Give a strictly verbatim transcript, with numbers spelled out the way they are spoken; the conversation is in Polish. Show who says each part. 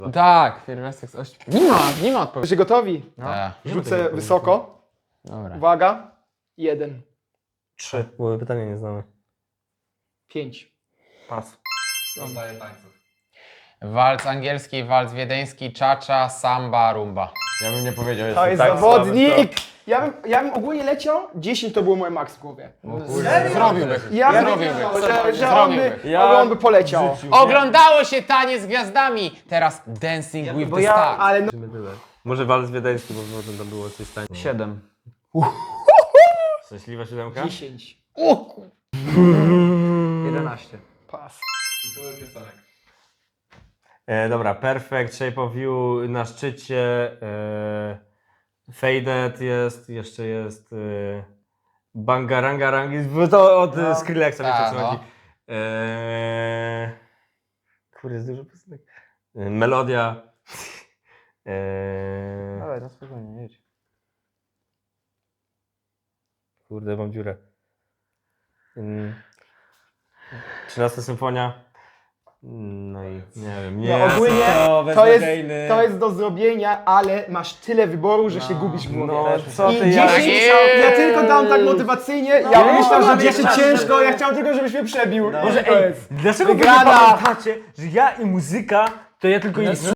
Speaker 1: Tak, pierwiastek z ośmiu. Nie ma, nie ma odpowiedzi.
Speaker 2: Jesteście gotowi?
Speaker 1: No.
Speaker 3: Tak.
Speaker 2: Rzucę wysoko.
Speaker 1: Dobra.
Speaker 2: Uwaga. Jeden.
Speaker 4: Trzy. Bo pytania nie znamy.
Speaker 2: Pięć.
Speaker 4: Pas.
Speaker 3: Rozdaję tańców. Walc angielski, walc wiedeński, czacza, samba, rumba.
Speaker 5: Ja bym nie powiedział,
Speaker 2: To
Speaker 5: jestem
Speaker 2: jest
Speaker 5: tak
Speaker 2: zawodnik!
Speaker 5: słaby,
Speaker 2: Ja bym, ja bym ogólnie leciał, dziesięć to było moje max w głowie.
Speaker 3: Zrobiłby.
Speaker 2: Ja bym,
Speaker 3: Zrobiłby.
Speaker 2: że, że on, by,
Speaker 3: Zrobiłby.
Speaker 4: Ja-
Speaker 2: on by poleciał.
Speaker 3: Oglądało się Taniec z Gwiazdami, teraz Dancing with
Speaker 4: bo
Speaker 3: the
Speaker 4: ja-
Speaker 3: Stars.
Speaker 2: Ale no,
Speaker 4: Może walc wiedeński, bo może tam było coś tańszego.
Speaker 5: Siedem.
Speaker 4: Szczęśliwa siódemka?
Speaker 2: dziesięć.
Speaker 5: Jedenaście.
Speaker 2: Pas.
Speaker 4: E, dobra, Perfect, Shape of You na szczycie, e, Faded jest, jeszcze jest e, Bangarangarang, bo to od
Speaker 2: No.
Speaker 4: no. Skrillexa, wiecie
Speaker 3: Tak,
Speaker 4: o co
Speaker 3: no.
Speaker 4: chodzi. E, kurde, jest dużo piosenek. E, Melodia. E,
Speaker 5: Dawaj, no spokojnie, jedź.
Speaker 4: kurde, mam dziurę. Mm. trzynasta symfonia. No i nie wiem, nie.
Speaker 2: No ogólnie
Speaker 4: to,
Speaker 2: to jest, to jest do zrobienia, ale masz tyle wyboru, że się gubisz w głowie.
Speaker 4: No, co
Speaker 2: I
Speaker 4: ty, ja...
Speaker 2: dziesięć,
Speaker 3: Jeee.
Speaker 2: ja tylko dam tak motywacyjnie, ja
Speaker 4: No,
Speaker 2: myślę, że
Speaker 4: no,
Speaker 2: jeszcze
Speaker 4: no,
Speaker 2: ciężko,
Speaker 4: no.
Speaker 2: ja chciałem tylko, żebyś mnie przebił.
Speaker 4: Może
Speaker 2: To
Speaker 4: ej,
Speaker 2: jest
Speaker 4: dlaczego wy nie
Speaker 2: wygrana.
Speaker 4: pamiętacie, że ja i muzyka to ja tylko